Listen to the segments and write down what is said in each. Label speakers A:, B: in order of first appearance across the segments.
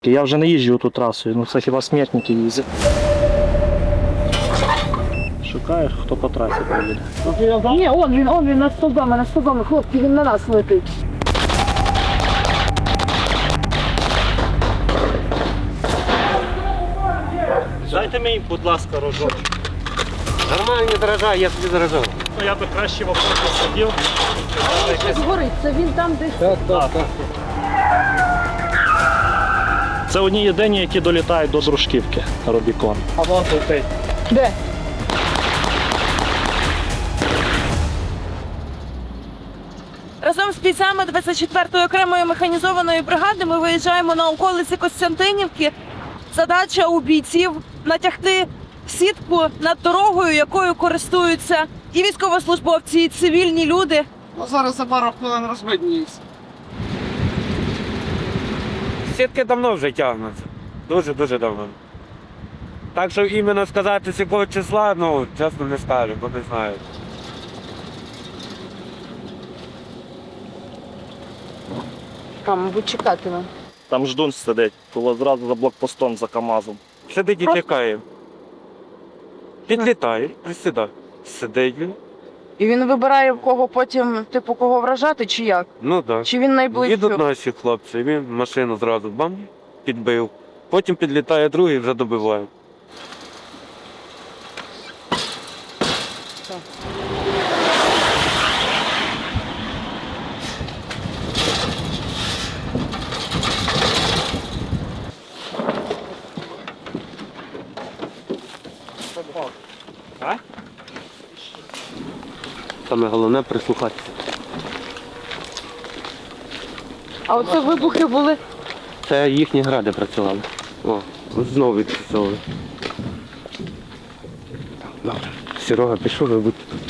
A: Я вже не їжджу ту трасою, ну це хіба смертники їздять. Шукаєш, хто по трасі поїде?
B: Ні, он він над стовбами, хлопці, він на нас летить.
A: Дайте мені, будь ласка, рожок.
C: Нормальні дрожжа, я собі заражав.
A: Ну я би краще в окопі сидів.
B: Згорить, це він там десь.
C: Так.
A: Це одні єдині, які долітають до Дружківки, Рубікон. А вон летить.
B: Де? Разом з бійцями 24-ї окремої механізованої бригади ми виїжджаємо на околиці Костянтинівки. Задача у бійців натягти сітку над дорогою, якою користуються і військовослужбовці, і цивільні люди.
C: Ну зараз за пару хвилин розбидніється. Сітки давно вже тягнуться. Дуже давно. Так що іменно сказати, з якого числа, ну, чесно не скажу, бо не знаю.
B: Там, мабуть, чекатиме.
A: Там ждун сидить, було зразу за блокпостом за КАМАЗом.
C: Сидить і чекає. Підлітає, присідає. Сидить він.
B: І він вибирає, в кого потім, типу, кого вражати, чи як?
C: Ну так.
B: Чи він найближчий?
C: Їдуть наші хлопці, він машину зразу бам, підбив. Потім підлітає другий і вже добиває. Саме головне прислухатися.
B: А оце вибухи були.
C: Це їхні гради працювали. О, знову відпрацьовували. Добре. Серега пішов, ви будьте тут.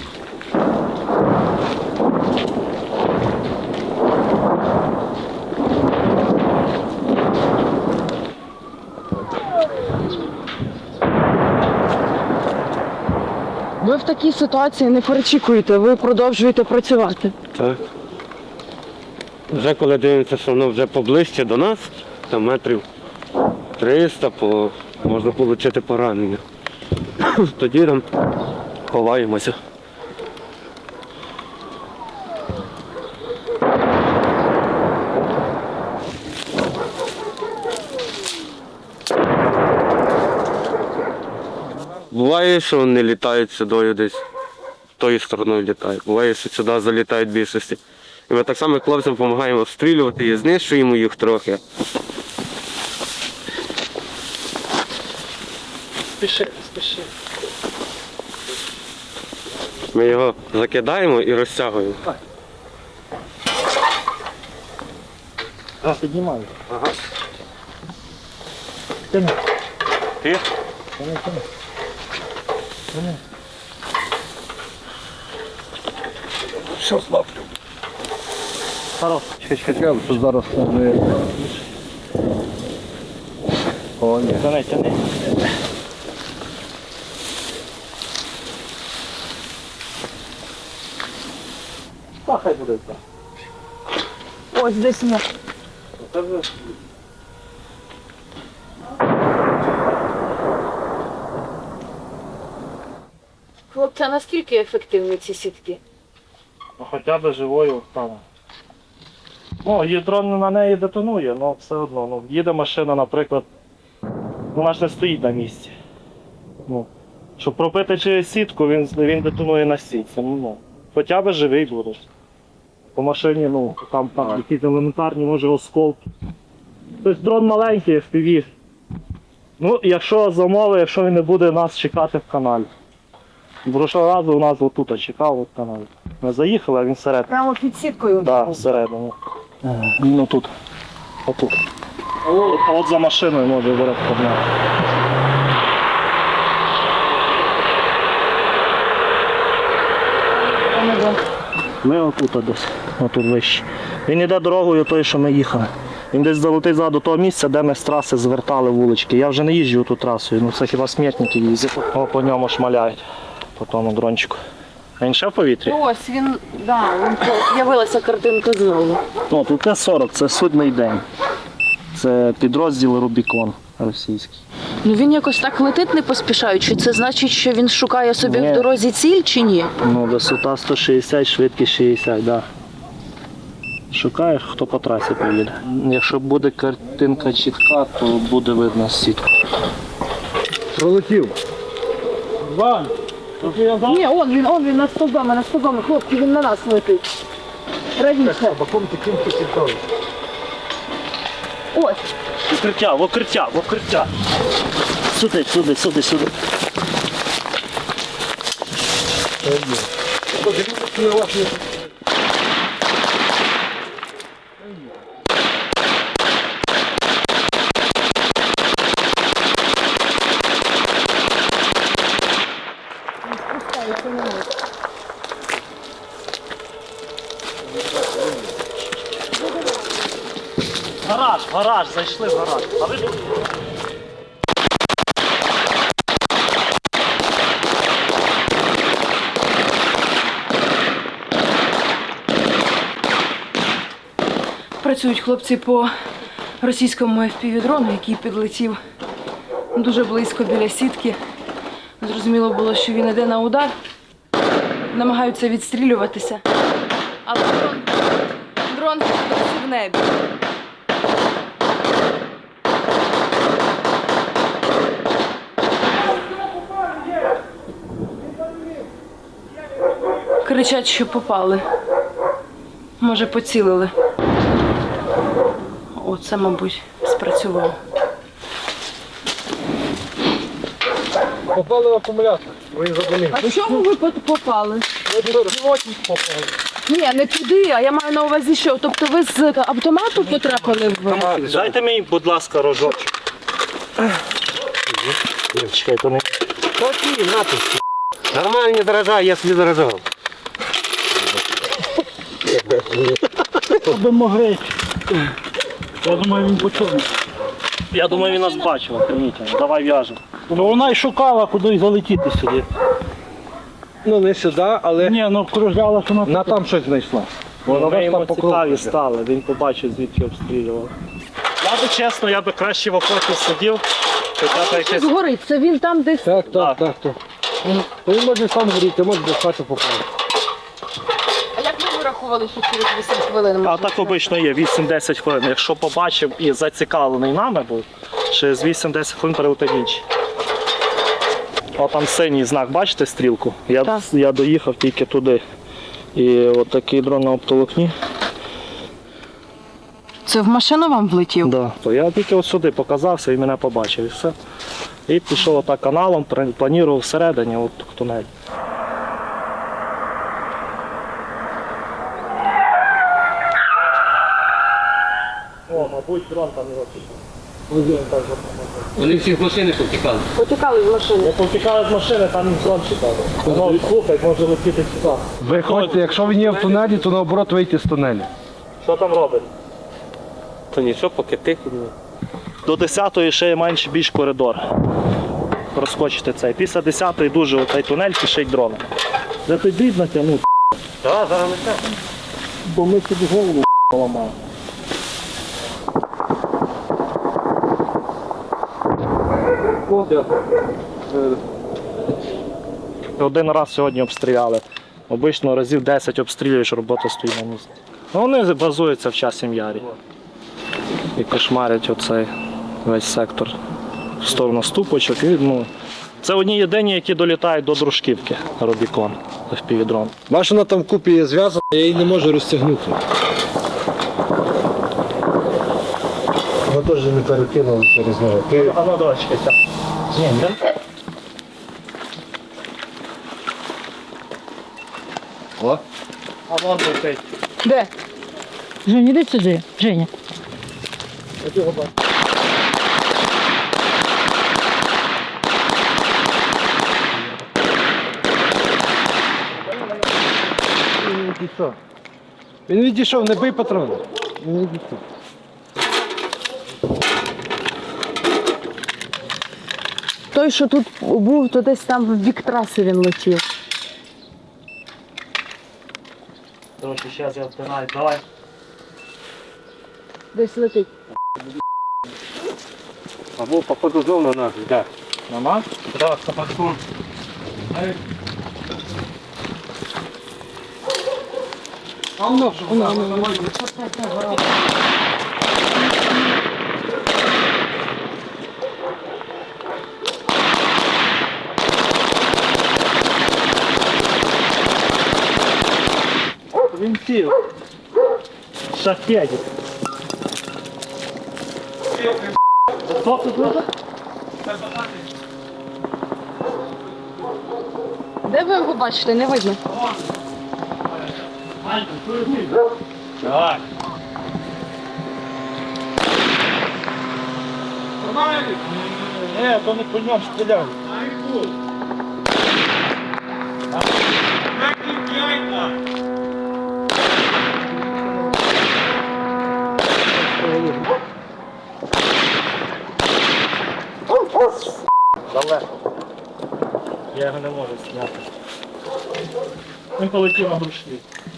B: Ви в такій ситуації не перечікуєте, ви продовжуєте працювати.
C: Так. Вже коли дивимося, що воно вже поближче до нас, там метрів 300, можна отримати поранення. Тоді там ховаємося. Буває, що вони літають сюди десь, тою стороною літають. Буває, що сюди залітають більшості. І ми так само хлопцям допомагаємо обстрілювати і знищуємо їх трохи.
A: Спіши.
C: Ми його закидаємо і розтягуємо.
A: Піднімаю.
C: Ага.
A: Тяни.
C: Ти? Все, слаплю.
A: Хорош.
D: Чекай, що зараз не... О, ні.
A: Тяни. Хай буде так.
B: Ось десь не. Хлопці, а наскільки ефективні ці сітки?
A: Ну, хоча б живою стане. Ну, дрон на неї детонує, але все одно. Ну, їде машина, наприклад, вона ж не стоїть на місці. Ну, щоб пробити через сітку, він детонує на сітці. Ну, хоча б живий буде. По машині, ну, там якісь елементарні, може, осколки. Тобто дрон маленький, FPV. Ну, якщо замови, якщо він не буде нас чекати в каналі. Прошлого разу у нас отут чекав в каналі. Ми заїхали, а він всередині.
B: Прямо під сіткою?
A: Так, да, всередину. Він отут. Отут. От за машиною може зараз погнати. Ми отут десь, отут вище. Він йде дорогою той, що ми їхали. Він десь долетить до того місця, де ми з траси звертали вулички. Я вже не їжджу ту трасою, ну це хіба смертники їздять. О, по ньому шмаляють, по тому дрончику. А він ще в повітрі?
B: Ось він, да, з'явилася картинка знову.
A: О, тут Т-40, це судний день. Це підрозділ Рубікон російський.
B: Ну він якось так летить не поспішаючи. Це значить, що він шукає собі
A: Ні.
B: в дорозі ціль чи ні?
A: Ну, висота 160, швидкість 60, да. Шукаєш, хто по трасі поїде. Якщо буде картинка чітка, то буде видно сітку.
D: Пролетів.
A: Вань,
B: Ні, он він над стовбами, хлопці, він на нас летить. Правіше.
D: Баком таким потікав.
B: Ось.
A: в укриття. Сюди. Гараж, зайшли в гараж. А ви тут?
B: Працюють хлопці по російському FPV-дрону, який підлетів дуже близько біля сітки. Зрозуміло було, що він йде на удар. Намагаються відстрілюватися. Але дрон досі в небі. Кричать, що попали. Може, поцілили. Оце, мабуть, спрацювало.
D: Попали в акумулятор. Ви задумали.
B: А в чому ви попали?
D: Пілотник попали.
B: Ні, не туди, а я маю на увазі, що. Тобто ви з автомату потрапили в...
A: Дайте мені, будь ласка, рожочок. Чекай, то не.
C: Такі, натиск. Нормальні дрожжа, я собі дрожав.
A: Би могли. Я думаю, він почув. Я думаю, він нас бачив, охренительно. Давай в'яжемо. Ну вона й шукала, куди залетіти сюди.
D: Ну не сюди, але
A: Ні, ну кружляла, що
D: на там щось знайшла.
A: Воно
D: Вона
A: йому
D: там по
A: цікаві
D: кругу.
A: стали, він побачив, звідки обстрілював. Я би чесно, я би краще в окопі сидів, хоча б якесь.
B: Згорить, це він там десь...
D: Так. Він може сам горіти, може до хати попали.
B: А як ви вирахували, що через 8 хвилин?
A: А так обично є 8-10 хвилин. Якщо побачив і зацікавлений нами був, через 8-10 хвилин перелетить інший. О, там синій знак, бачите стрілку?
B: Так.
A: Я доїхав тільки туди. І от такий дрон на оптоволокні.
B: Це в машину вам влетів?
A: Да. То я тільки от сюди показався і мене побачив і все. І пішов отак каналом, планував всередині, от в тунель. О, мабуть, дрон там його пішов.
C: Вони всі з машини повтікали.
B: Потікали з машини.
A: Я повтікав з машини, там дрон чекав. Воно слухай, може летіти сюди.
D: Виходьте, якщо він є в тунелі, то наоборот вийти з тунелю.
A: Що там робить?
C: То нічого, поки тихо.
A: До 10-ї ще є більш коридор. Розкочити цей. Після 10-ї дуже оцей тунель пішить дрон. Де ти дріб натягнув?
C: Так, зараз лише.
A: Бо ми собі голову поламали. Один раз сьогодні обстріляли. Обично разів 10 обстрілюєш, робота стоїть на місці. Ну, вони базуються в Часім Ярі. І кошмарять оцей весь сектор в сторону ступочок. І, ну, це одні єдині, які долітають до Дружківки, Рубікон, FPV-дрон.
D: Бачу, вона там купі є зв'язана, я її не можу розтягнути. Вона теж не перекинула через нього.
A: А ну давай, чекай.
D: О.
A: А вон летить.
B: Де?
E: Женя, іди сюди, Женя.
D: Він відійшов, не бий патрони. Він відійшов.
B: Той, що тут був, то десь там в бік траси він летів.
A: Короче, зараз я втираю. Давай.
B: Десь летить.
C: Або походу знову на нас йде.
A: На нас?
C: Так, сапатком.
A: Він сів. Шахедик. Хто тут буде?
B: Де ви його бачите? Не видно.
A: Давай. Ні, то не по ньому стріляв. Далеко. Я його не можу зняти. Він полетів на грушки.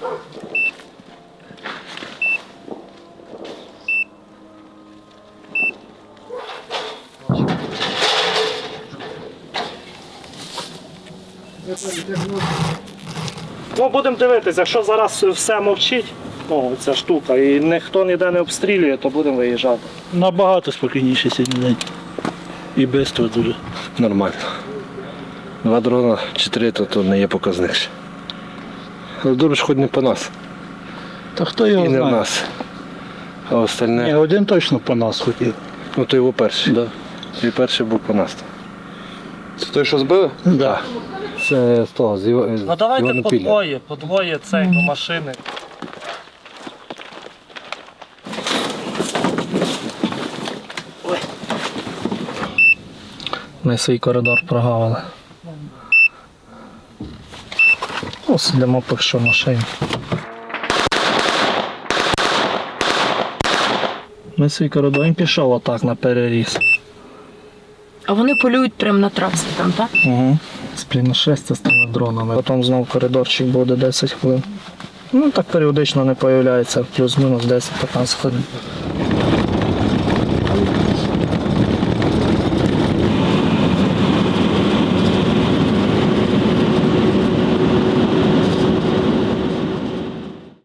A: Ну, будемо дивитися, якщо зараз все мовчить, ну, ця штука, і ніхто ніде не обстрілює, то будемо виїжджати.
F: Набагато спокійніше сьогодні день. І швидко дуже.
D: Нормально. 2 дрона, 4 то не є показник ще. Але добре, що хоч не по нас.
F: Та хто
D: І
F: його
D: не в
F: знає?
D: нас. А остальне,
F: Ні, один точно по нас хотів.
D: ну то його перший.
F: Да.
D: І перший був по нас.
G: Це той, що збили?
F: Да.
D: Це з того, з
A: Ну давайте по двоє цей до машини.
H: Ми свій коридор прогавили. Ось йдемо поки що в машині. Ми свій коридор він пішов отак на переріз.
B: А вони полюють прямо на трасі там, так?
H: Угу. Спліна 6 з тими дронами. Потім знов коридорчик буде 10 хвилин. Ну так періодично не з'являється, плюс-мінус 10-15 хвилин.